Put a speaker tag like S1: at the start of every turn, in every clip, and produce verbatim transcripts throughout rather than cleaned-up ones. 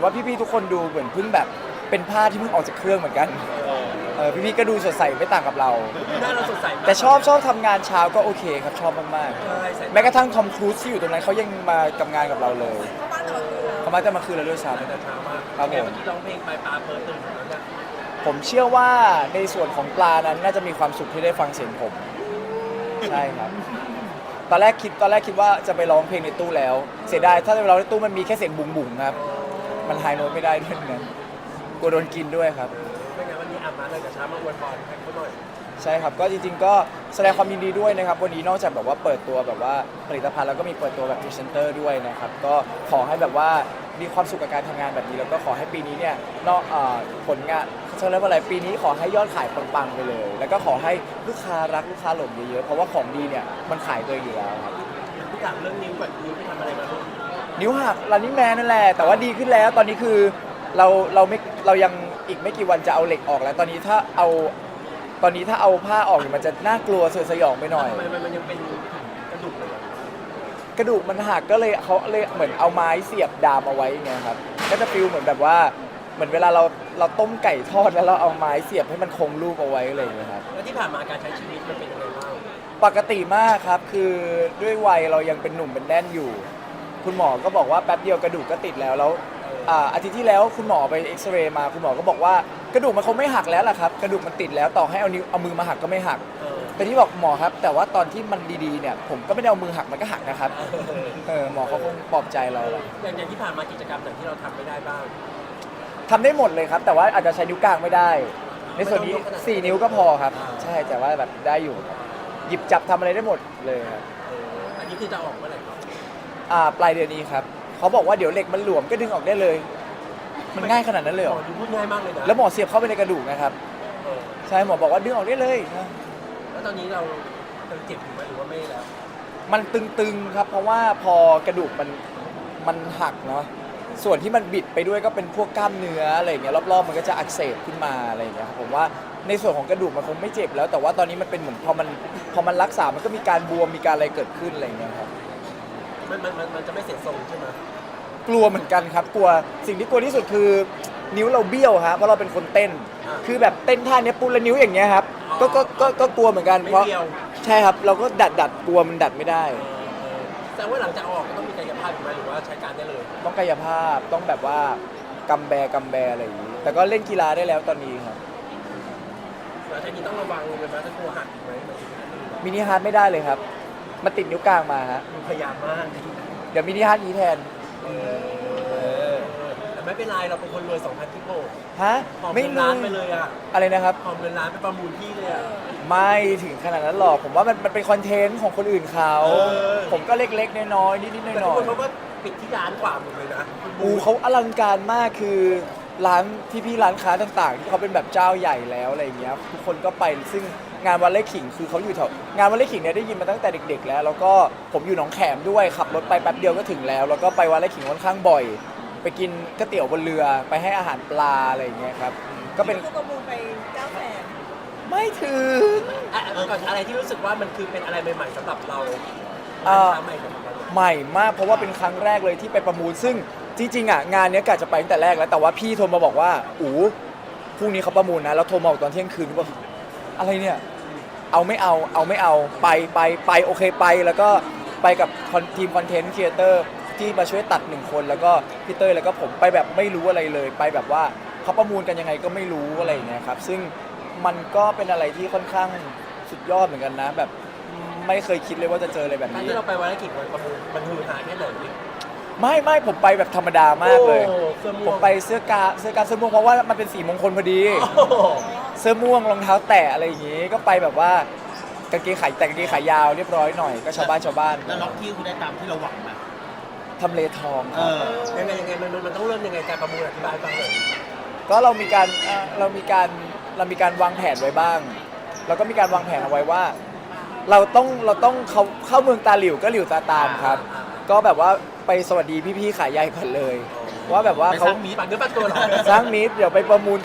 S1: ว่าพี่ๆทุกคนดูเหมือนเพิ่งแบบเป็นผ้าที่เพิ่งออกจากเครื่องเหมือนกันเออพี่ๆก็ดูสดใสไม่ต่างกับเรา
S2: หน้าเราสดใส
S1: แต่ชอบชอบทำงานเช้าก็โอเคครับชอบมาก
S2: ใช่ใส่
S1: ๆแม้กระทั่งทอมครูซที่อยู่ตรงนั้นเขายังมากับงานกับเราเลย
S3: เขาบ้านแต่ละคืน
S1: เขามาจะมาคืนเราด้วยซ้
S2: แต่เช้ามาก
S1: ครับผม
S2: เมื่อกี้ร้องเพลงไปปลาเปิดตื่นแล้วเนี่ย
S1: ำผมเชื่อว่าในส่วนของปลานั้นน่าจะมีความสุขที่ได้ฟังเสียงผมใช่ครับตอนแรกคิดตอนแรกคิดว่าจะไปร้องเพลงในตู้แล้ว เสียดายถ้าจะไปร้องในตู้มันมีแค่เสียงบุ๋งบุ๋งๆครับมันไฮโน้ตไม่ได้ด้วยนั้นกลัวโดนกินด้วยครับ
S2: ไม่งั้นวันนี้อาบน้ำเลยแต่เช้ามาอวยพรให้เขาหน่อย
S1: ใช่ครับก็จริงๆก็แสดงความยินดีด้วยนะครับวันนี้นอกจากแบบว่าเปิดตัวแบบว่าผลิตภัณฑ์แล้วก็มีเปิดตัวแบบพรีเซนเตอร์ด้วยนะครับก็ขอให้แบบว่ามีความสุขกับการทำงานแบบนี้แล้วก็ขอให้ปีนี้เนี่ยนอกเอ่อผลงานเขาเรียกว่าอะไรปีนี้ขอให้ยอดขายปังๆไปเลย แล้วก็ขอให้ลูกค้ารักลูกค้าหลงเยอะๆเพราะว่าของดีเนี่ยมันขายตัวอยู่แล้วครับ
S2: พี่ถามเรื่องนิ้วก่อนนิ้วไปทำอะไรมาลูก
S1: นิ้วหักรันนิ่งแมนนั่นแหละแต่ว่าดีขึ้นแล้วตอนนี้คือเราเราไม่เรายังอีกไม่กี่วันจะเอาเหล็กออกแล้ว ตอนนี้ถ้าเอาตอนนี้ถ้าเอาผ้าออกเนี่ยมันจะน่ากลัวสยดสยองไปหน่อย
S2: ทำไมมันมันยังเป็นกระดูกเลยอะ
S1: กระดูกมันหักก็เลยเขาเลยเหมือนเอาไม้เสียบดามเอาไว้ไงครับก็จะฟิลเหมือนแบบว่าเหมือนเวลาเราเราต้มไก่ทอดแล้วเราเอาไม้เสียบให้มันคงรูปเอาไว้อะไรอย่างเงี้ยครับ
S2: แล้วที่ผ่านมาการใช้ชีวิตมันเป็นยังไงบ้าง
S1: ปกติมากครับคือด้วยวัยเรายังเป็นหนุ่มเป็นแน่นอยู่ คุณหมอก็บอกว่าแป๊บเดียวกระดูกก็ติดแล้วแล้วอ่าอาทิตย์ที่แล้วคุณหมอไปเอ็กซเรย์มาคุณหมอก็บอกว่ากระดูกมันคงไม่หักแล้วล่ะครับกระดูกมันติดแล้วต่อให้เอานิ้วเอามือมาหักก็ไม่หัก
S2: เออ
S1: แต่ที่บอกหมอครับแต่ว่าตอนที่มันดีๆเนี่ยผมก็ไม่ได้เอามือหักมันก็หักนะครับเออหมอเขาคงปลอบใจเราแหละ
S2: อย่างอย่างที่ผ่านมากิจกรรมไหนที่เราทำไม่ได้บ้าง
S1: ทำได้หมดเลยครับ แต่ว่าอาจจะใช้นิ้วกลางไม่ได้ ในส่วนนี้สี่นิ้วก็พอครับ ใช่แต่ว่าแบบได้อยู่ครับหยิบจับทำอะไรได้หมดเลยครับ
S2: เอออันนี้คือจะออกเมื่อไหร่ครับ
S1: อ่าปลายเดือนนี้ครับเขาบอกว่าเดี๋ยวเหล็กมันหลวมก็ดึงออกได้เลย มันง่ายขนาดนั้นเลยเห
S2: ห
S1: ร
S2: ม
S1: อ
S2: อดูพูดง่ายมากเลยนะ
S1: แล้วหมอเสียบเข้าไปในกระดูกนะครับ
S2: เออ
S1: ใช่หมอบอกว่าดึงออกได้เลย
S2: แล้วตอนนี้เราเราเจ็บอยู่ไหมหรือว่าไม่แล้ว
S1: มันตึงๆครับ เพราะว่าพอกระดูกมันมันหักเนาะส่วนที่มันบิดไปด้วยก็เป็นพวกกล้ามเนื้ออะไรอย่างเงี้ยรอบๆมันก็จะอักเสบขึ้นมาอะไรอย่างเงี้ยครับผมว่าในส่วนของกระดูกมันคงไม่เจ็บแล้ว แต่ว่าตอนนี้มันเป็นเหมือนพอมันพอมันรักษา มันก็มีการบวมมีการอะไรเกิดขึ้นอะไรอย่างเงี้ยครับ
S2: มันมันมันมันจะไม่เสียทรงใช่ไหม
S1: กลัวเหมือนกันครับกลัวสิ่งที่กลัวที่สุดคือนิ้วเราเบี้ยวฮะเพราะเราเป็นคนเต้น คือแบบเต้นท่าเนี้ยปุ๊บแล้วนิ้วอย่างเงี้ยครับก็ก็ก็ก็กลัวเหมือนกัน
S2: ไม่
S1: เพราะ
S2: เดียว
S1: ใช่ครับเราก็ดัดดัดกลัวมันดัดไม่ได้
S2: เออเออแต่ว่าหลังจากเอาออกก็ต้องมีกายภาพอยู่ไหมหรือว่าใช้การได้เลย
S1: ต้องกายภาพต้องแบบว่ากำแบกำแบอะไรอย่างนี้ แต่ก็เล่นกีฬาได้แล้วตอนนี้ครับ
S2: แล้วทีนี้ต้องระวังเลยไหมถ้ากลัวหักอีกไหมหมายถึงอันอื่นอะ
S1: มินิฮาร์ดไม่ได้เลยครับมันติดนิ้วกลางมาฮะ
S2: พยายามมาก
S1: เดี๋ยวมินิฮาร์ดนี้แทน
S2: เออแต่ไม่เป็นไรเราเป็นคนรวยสองพันทิปโป้
S1: ฮะ
S2: หอม
S1: ไม่
S2: เงิน
S1: เล
S2: ล้าน
S1: ย
S2: ไปเลยอ่ะ
S1: อะไรนะครับ
S2: หอมเงินล้านไปประมูลที่เลยอ่ะ
S1: ไม่ถึงขนาดนั้นหรอกผมว่ามันมันเป็นคอนเทนต์ของคนอื่นเขา
S2: เออ
S1: ผมก็เล็กๆน้อยๆนิดๆห
S2: แต่ทุก
S1: น่อ
S2: ค
S1: ย
S2: นเขาก็ปิดที่ร้านกว่าหมดเลยนะ
S1: ๆอูเขาอลังการมากคือร้านพี่ๆร้านค้าต่างๆ ที่เขาเป็นแบบเจ้าใหญ่แล้วอะไรอย่างเงี้ยทุกคนก็ไปซึ่งงานวันเล่ขิงคือเขาอยู่แถวงานวันเล่ขิงเนี่ยได้ยินมาตั้งแต่เด็ก ๆ แล้ว แล้วก็ผมอยู่หนองแขมด้วยขับรถไปแป๊บเดียวก็ถึงแล้ว แล้วก็ไปวันเล่ขิงค่อนข้างบ่อย ไปกินก๋วยเตี๋ยวบนเรือไปให้อาหารปลาอะไรอย่างเงี้ยครับก็เป็น
S3: คือประมูลไปเก้าแสน
S1: ไม่ถึง
S2: อ่ะก่อนอะไรที่รู้สึกว่ามันคือเป็นอะไรใหม่ๆสำหรับเรา
S1: เอ่อ
S2: ร้านค้าใหม่สำหรับเรา
S1: ใหม่มากเพราะว่าเป็นครั้งแรกเลยที่ไปประมูลซึ่งจริงๆอ่ะงานเนี้ยกะจะไปตั้งแต่แรกแล้วแต่ว่าพี่โทรมาบอกว่าอู๋พรุ่งนี้เขาประมูลนะแล้วโทรมาบอกตอนเที่ยงคืนว่าอะไรเนี่ยเอาไม่เอาเอาไม่เอาไปไปไปโอเคไปแล้วก็ไปกับทีมคอนเทนต์ครีเอเตอร์ที่มาช่วยตัดหนึ่งคนแล้วก็พี่เต้ยแล้วก็ผมไปแบบไม่รู้อะไรเลยไปแบบว่าเขาประมูลกันยังไงก็ไม่รู้อะไรอย่างเงี้ยครับซึ่งมันก็เป็นอะไรที่ค่อนข้างสุดยอดเหมือนกันนะแบบไม่เคยคิดเลยว่าจะเจออะไรแบบ
S2: การ
S1: นี้
S2: ที่เราไปวันละกี่วันประมูลมันฮือฮาแค่ไหน
S1: ไม่ไม่ผมไปแบบธรรมดามากเลย
S2: โอ้เสื้อม่วง
S1: ผมไปเสื้อกาเสื้อกาเสื้อม่วงเพราะว่ามันเป็นสีมงคลพอดี
S2: โอ้โห
S1: เสื้อม่วงรองเท้าแตะอะไรอย่างงี้ ก็ไปแบบว่ากางเกงขายแต่กางเกงขายาวเรียบร้อยหน่อยก็ชาวบ้านชาวบ้าน
S4: แล้วล็อกที่คุณได้ตามที่เราหวังไหม
S1: ทำเลทองค
S4: เอ
S1: รับ
S4: อ
S2: ยังไงยังไงมันมันมันต้องเริ่มยังไงการประมูลอธิบายให้ฟังหน่อย
S1: ก็เรามีการเอ่อเรามีการเรามีการวางแผนไว้บ้างเราก็มีการวางแผนเอาไว้ว่า เราต้องเราต้องเข้าเข้าเมืองตาหลิวก็หลิวตาตามครับ ก็แบบว่าไปสวัสดีพี่ๆขายใหญ่ก่อนเลย ว่าแบบว่า
S4: ไป
S1: เขา
S4: สร้างมี
S2: ปากเนื้อปากตัวเหรอ
S1: สร้างมิตรเดี๋ยวไปประมูลครับ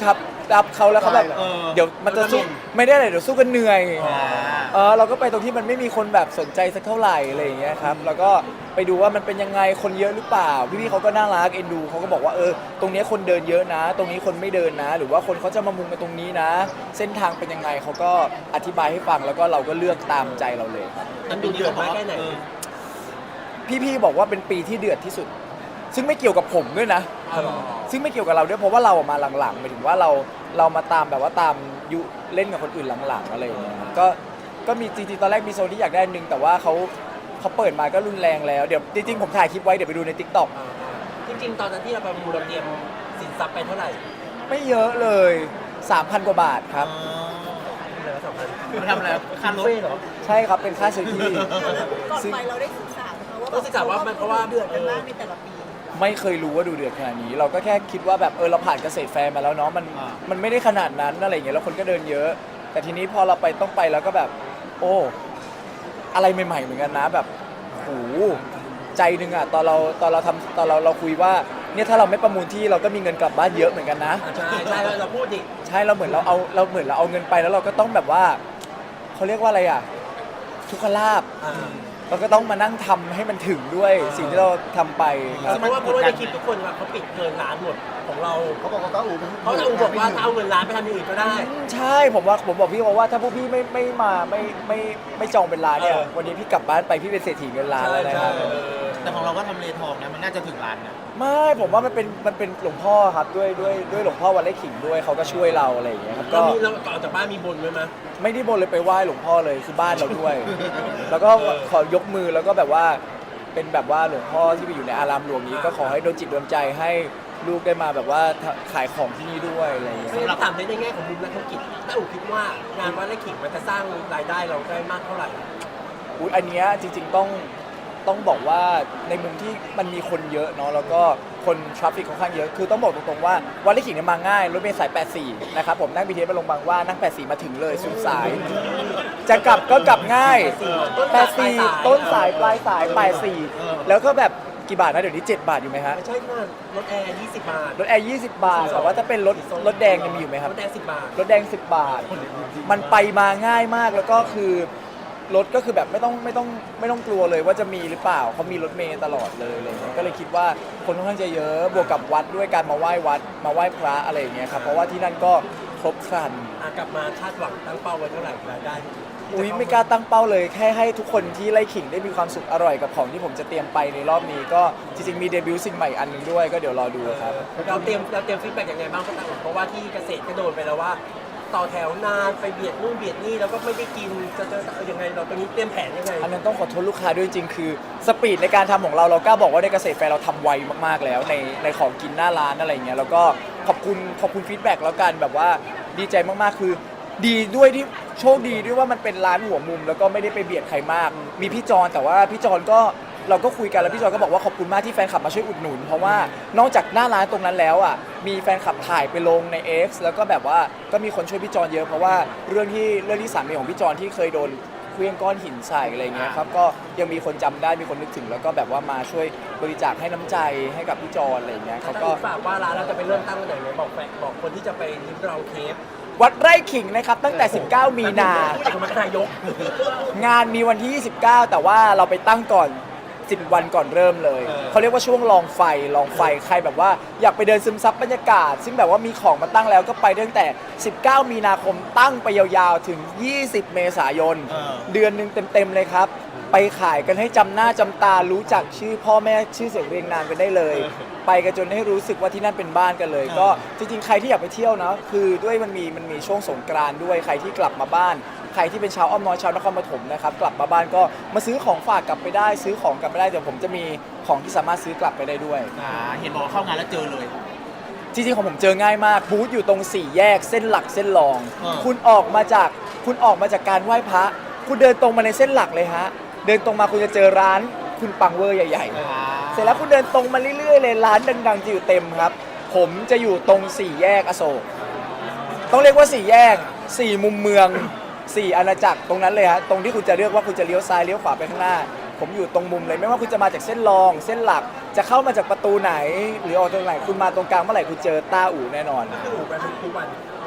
S1: อัพเขาแล้วเขาแบบ
S4: เออ
S1: เดี๋ยวมันจะสู้ไม่ได้เลยเดี๋ยวสู้กันเหนื่อยเออเราก็ไปตรงที่มันไม่มีคนแบบสนใจสักเท่าไหร่อะไรอย่างเงี้ยครับแล้วก็ไปดูว่ามันเป็นยังไงคนเยอะหรือเปล่าพี่ๆเขาก็น่ารักเอ็นดูเขาก็บอกว่าเออตรงเนี้ยคนเดินเยอะนะ ตรงนี้คนไม่เดินนะ หรือว่าคนเขาจะมามุงกันตรงนี้นะ เส้นทางเป็นยังไงเขาก็อธิบายให้ฟังแล้วก็เราก็เลือกตามใจเราเลยครับ
S2: มันดูเดือดมากแค่ไหน
S1: พี่ๆบอกว่าเป็นปีที่เดือดที่สุด ซึ่งไม่เกี่ยวกับผมด้วยนะ
S2: อ๋อเหรอ
S1: ซึ่งไม่เกี่ยวกับเราด้วยเพราะว่าเราออกมาหลังๆหมายถึงว่าเราเรามาตามแบบว่าตามยุเล่นกับคนอื่นหลังๆอะไรอย่างเงี้ยครับก็ก็มีจริงๆตอนแรกมีโซนที่อยากได้อันนึงแต่ว่าเขาเขาเปิดมาก็รุนแรงแล้วเดี๋ยวจริงๆผมถ่ายคลิปไว้เดี๋ยวไปดูใน ติ๊กต็อก
S2: อ่าจริงๆ ตอนนั้นที่เราประมูลเราเตรียมสินทรัพย์ไปเท่าไหร่
S1: ไม่เยอะเลย สามพัน กว่าบาทครับ
S2: เหลือสองพัน
S4: มันทำอะไรค่ารถ
S2: เฟ่เหรอ
S1: ใช่ครับเป็นค่าซื้อที่
S3: ก่อน
S1: ซึ่ง
S3: ไปเราได้ศึกษาไหมคะว่า
S2: ต้องศึกษาว่ามันเพราะว่า
S3: เดือดกันมากในแต่ละปี
S1: ไม่เคยรู้ว่าดูเดือดขนาดนี้ เราก็แค่คิดว่าแบบเออเราผ่านเกษตรแฟร์มาแล้วเนาะมันมันไม่ได้ขนาดนั้นอะไรอย่างเงี้ยแล้วคนก็เดินเยอะ แต่ทีนี้พอเราไปต้องไปแล้วก็แบบ โอ้อะไรใหม่ๆเหมือนกันนะแบบโหใจหนึงอะตอนเราตอนเราทำตอนเราเราคุยว่าเนี่ยถ้าเราไม่ประมูลที่เราก็มีเงินกลับบ้านเยอะเหมือนกันนะ
S2: อ่าใช่ใช่เราเราพูดดิ
S1: ใช่เราเหมือนเราเอาเราเหมือนเราเอาเงินไปแล้วเราก็ต้องแบบว่าเขาเรียกว่าอะไรอะทุกขลาภ
S2: อ่า
S1: เราก็ต้องมานั่งทำให้มันถึงด้วยสิ่งที่เราทำไปครับ
S2: เพราะว่าเพราะว่าในคลิปทุกคนว่าเขาปิดเกินล้านหมดของเรา
S5: เขาบอกว่าต้าอู๋
S2: เพราะเราบอกว่าถ้าเอาเงินล้านไปทำอย่างอื่นก็ได้
S1: ใช่ผมว่าผมบอกพี่ว่าว่าถ้าพวกพี่ไม่ไม่มาไม่ไม่ไม่จองเป็นร้านเนี่ย
S2: เออ
S1: วันนี้พี่กลับบ้านไปพี่เป็นเศรษฐีเงินล้านแล้วนะครับ
S2: เออ
S4: แต่ของเราก็ทำเลทองนะมันน่าจะถึงล้านนะ
S1: ไม่ผมว่ามันเป็นมันเป็นหลวงพ่อครับด้วยด้วยด้วยหลวงพ่อวันเล่ขิงด้วยเขาก็ช่วยเราอะไรอย่างเงี้ยครับ
S2: เรา
S1: ก็
S2: มีเราก่อนจากบ้านมีบนไว้ไหม
S1: ไม่ได้บนเลยไปไหว้หลวงพ่อเลยคือบ้านเราด้วย แล้วก็ขอยกมือแล้วก็แบบว่าเป็นแบบว่าหลวงพ่อที่ไปอยู่ในอารามหลวงนี้ ก็ขอให้โดนจิตโดนใจให้ลูกได้มาแบบว่าขายของที่นี่ด้วยอะไรอย่างเงี้ย
S2: ไม่ได้ถามในแง่ของมุมนักธุรกิจถ้าอู๋คิดว่างานวัดไร่ขิงมันจะสร้างรายได้เราได้มากเท่าไหร่
S1: อุ๊ยอันเนี้ยจริงๆต้องต้องบอกว่าในมุมที่มันมีคนเยอะเนาะแล้วก็คนทราฟฟิกค่อนข้างเยอะคือต้องบอกตรงๆว่าวันลิขิงเนี่ยมาง่ายรถเมล์สายแปดสี่นะครับผมนั่ง บี ที เอส มาลงบางหว่านั่งแปดสี่มาถึงเลยสุดสาย จะกลับก็กลับง่ายแปดสี่ต้นสายปลายสายแปดสี่แล้วก็แบบกี่บาทนะเดี๋ยวนี้เจ็ดบาทอยู่ไหมฮะ
S2: ไม่ใช่ค่ะรถแอร์ยี่สิบบาท
S1: รถแอร์ยี่สิบบาทแต่ว่าถ้าเป็นรถรถแดงเนี่ยมีอยู่ไหมครับ
S2: รถแอร์สิบบาท
S1: รถแดงสิบบาท มันไปมาง่ายมากแล้วก็คือรถก็คือแบบไม่ต้องไม่ต้องไม่ต้องกลัวเลยว่าจะมีหรือเปล่าเขามีรถเมล์ตลอดเลยอะไรเงี้ยก็เลยคิดว่าคนค่อนข้างจะเยอะบวกกับวัดด้วยการมาไหว้วัดมาไหว้พระอะไรอย่างเงี้ยครับเพราะว่าที่นั่นก็ครบครัน
S2: อ่ะกลับมาคาดหวังตั้งเป้าไว้เท่าไหร่รายได้
S1: อุ้ยไม่กล้าตั้งเป้าเลยแค่ให้ทุกคนที่ไล่ขิงได้มีความสุขอร่อยกับของที่ผมจะเตรียมไปในรอบนี้ก็จริงๆมีเดบิวต์สิ่งใหม่อันหนึงด้วยก็เดี๋ยวรอดูครับ
S2: เราเตรียมเราเตรียมฟีดแบ็กยังไงบ้างครับเพราะว่าที่เกษตรก็โดนไปแล้วว่า ต่อแถวนานไปเบียดนู่นเบียดนี่แล้วก็ไม่ได้กินจะจะจะยังไงเราตอนนี้เตรียมแผนยังไง
S1: อันนั้นต้องขอโทษลูกค้าด้วยจริงคือสปีดในการทำของเราเรากล้าบอกว่าในเกษตรแฟร์เราทำไวมากๆแล้วในในของกินหน้าร้านอะไรอย่างเงี้ยแล้วก็ขอบคุณขอบคุณฟีดแบ็กแล้วกันแบบว่าดีใจมากๆคือ ดีด้วยที่โชคดีด้วยว่ามันเป็นร้านหัวมุม แล้วก็ไม่ได้ไปเบียดใครมาก มีพี่จอนแต่ว่าพี่จอนก็เราก็คุยกันแล้วพี่จอนก็บอกว่าขอบคุณมากที่แฟนคลับมาช่วยอุดหนุน เพราะว่านอกจากหน้าร้านตรงนั้นแล้วอ่ะมีแฟนคลับถ่ายไปลงใน X แล้วก็แบบว่าก็มีคนช่วยพี่จอนเยอะเพราะว่าเรื่องที่เรื่องที่สามีของพี่จอนที่เคยโดนเคลื่องก้อนหินใส่อะไรเงี้ยครับก็ยังมีคนจำได้มีคนนึกถึงแล้วก็แบบว่ามาช่วยบริจาคให้น้ำใจให้กับพี่จอนอะไรเงี้ยเขา
S2: ถ้า
S1: ก็
S2: ฝากว่าร้านเราจะไปเริ่มตั้งวันไหนไหมบอกแฟนบอกคนที่จะไปริมลองเทป
S1: วัดไร่ขิงนะครับตั้งแต่ สิบเก้า มีนา
S2: ผู้จัดการนายก
S1: งานมีวันที่ ยี่สิบเก้า แต่ว่าเราไปตั้งก่อน สิบ วันก่อนเริ่มเลย เขาเรียกว่าช่วงลองไฟ ลองไฟ ใครแบบว่าอยากไปเดินซึมซับบรรยากาศ ซึ่งแบบว่ามีของมาตั้งแล้วก็ไปตั้งแต่ สิบเก้า มีนาคมตั้งไปยาวๆ ถึง ยี่สิบ เมษายน เดือนหนึ่งเต็มๆ เลยครับ ไปขายกันให้จำหน้าจำตา รู้จักชื่อพ่อแม่ชื่อเสียงเรียงนามกันได้เลย ไปกันจนให้รู้สึกว่าที่นั่นเป็นบ้านกันเลย ก็จริงๆ ใครที่อยากไปเที่ยวนะคือด้วยมันมีมันมีช่วงสงกรานต์ด้วย ใครที่กลับมาบ้าน ใครที่เป็นชาวอ้อมน้อยชาวนครปฐมนะครับกลับมาบ้านก็มาซื้อของฝากกลับไปได้ ซื้อของกลับไปได้เดี๋ยวผมจะมีของที่สามารถซื้อกลับไปได้ด้วย
S4: อ่าเห็นบอกว่าเข้างานแล้วเจอเลย
S1: จริงๆของผมเจอง่ายมากบูธอยู่ตรงสี่แยกเส้นหลักเส้นรอง
S4: อ่า
S1: คุณออกมาจากคุณออกมาจากการไหว้พระคุณเดินตรงมาในเส้นหลักเลยฮะเดินตรงมาคุณจะเจอร้านคุณปังเวอร์ใหญ่ๆ เสร็จแล้วคุณเดินตรงมาเรื่อยๆเลยร้านดังๆจะอยู่เต็มครับ ผมจะอยู่ตรงสี่แยกอโศกต้องเรียกว่าสี่แยกสี่มุมเมืองสี่อาณาจักรตรงนั้นเลยฮะตรงที่คุณจะเลือกว่าคุณจะเลี้ยวซ้ายเลี้ยวขวาไปข้างหน้า ผมอยู่ตรงมุมเลยไม่ว่าคุณจะมาจากเส้นรอง เส้นหลักจะเข้ามาจากประตูไหน หรือออกตรงไหนคุณมาตรงกลางเมื่อไหร่คุณเจอต้าอู่แน่นอน
S2: คืออู่ไปทุกวัน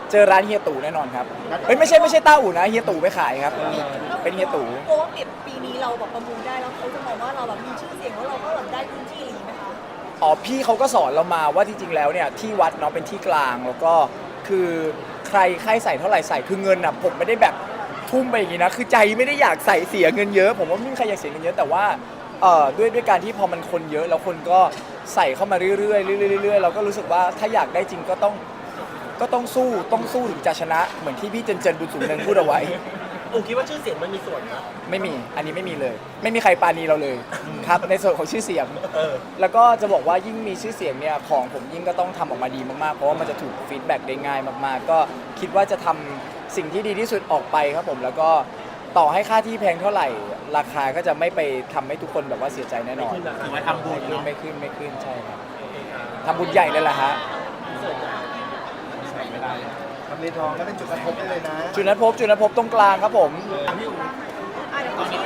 S1: เจอร้านเฮียตู่แน่นอนครับเฮ้ยไม่ใช่ไม่ใช่ต้าอู่นะเฮียตู่ไปขายครับ เป็นเฮียตู่
S3: โอ้ว่าปีนี้เราแบบประมูลได้แล้วเขาจะมองว่าเราแบบมีชื่อเสียงว่าเราก็แบบได้พื้นที่หรือไหมคะ
S1: อ๋อพี่เขาก็สอนเรามาว่าจริงๆแล้วเนี่ยที่วัดเนาะเป็นที่กลางแล้วก็คือใครใครใส่เท่าไหร่ใส่คือเงินอ่ะผมไม่ได้แบบทุ่มไปอย่างนี้นะคือใจไม่ได้อยากใส่เสียเงินเยอะผมว่าไม่มีใครอยากเสียเงินเยอะแต่ว่าเอ่อด้วยด้วยการที่พอมันคนเยอะแล้วคนก็ใส่เข้ามาเรื่อยๆเรื่อยๆเรื่อยๆเราก็รู้สึกว่าถ้าอยากได้จริงก็ต้องก็ต้องสู้ต้องสู้ถึงจะชนะเหมือนที่พี่เจนเจนบุญสูงเนินพูดเอาไว้
S2: อูคิดว่าชื่อเสียงมันมีส่วนนะ
S1: ไม่มี อันนี้ไม่มีเลย ไม่มีใครปราณีเราเลยครับ ในส่วนของชื่อเสียง
S2: เออ
S1: แล้วก็จะบอกว่ายิ่งมีชื่อเสียงเนี่ยของผมยิ่งก็ต้องทำออกมาดีมากๆ เพราะว่ามันจะถูกฟีดแบ็กได้ง่ายมากๆ ก็คิดว่าจะทำสิ่งที่ดีที่สุดออกไปครับผม แล้วก็ต่อให้ค่าที่แพงเท่าไหร่ ราคาก็จะไม่ไปทำให้ทุกคนแบบว่าเสียใจแน่นอน
S2: ไม่ขึ้นราคา
S4: ถือว่าทำบุญ
S1: ไม่ขึ้น
S4: เนาะ
S1: ไม่ขึ้นไม่ขึ้นใช่ครับทำบุญใหญ่เลยแหละฮะ
S5: ทำเลทองก็เป็นจุดกระทบได้เลยนะ
S1: จุดนัดพบจุดนัดพบตรงกลางครับผม
S3: อ่ะเดี๋ยว
S4: ตอนนี้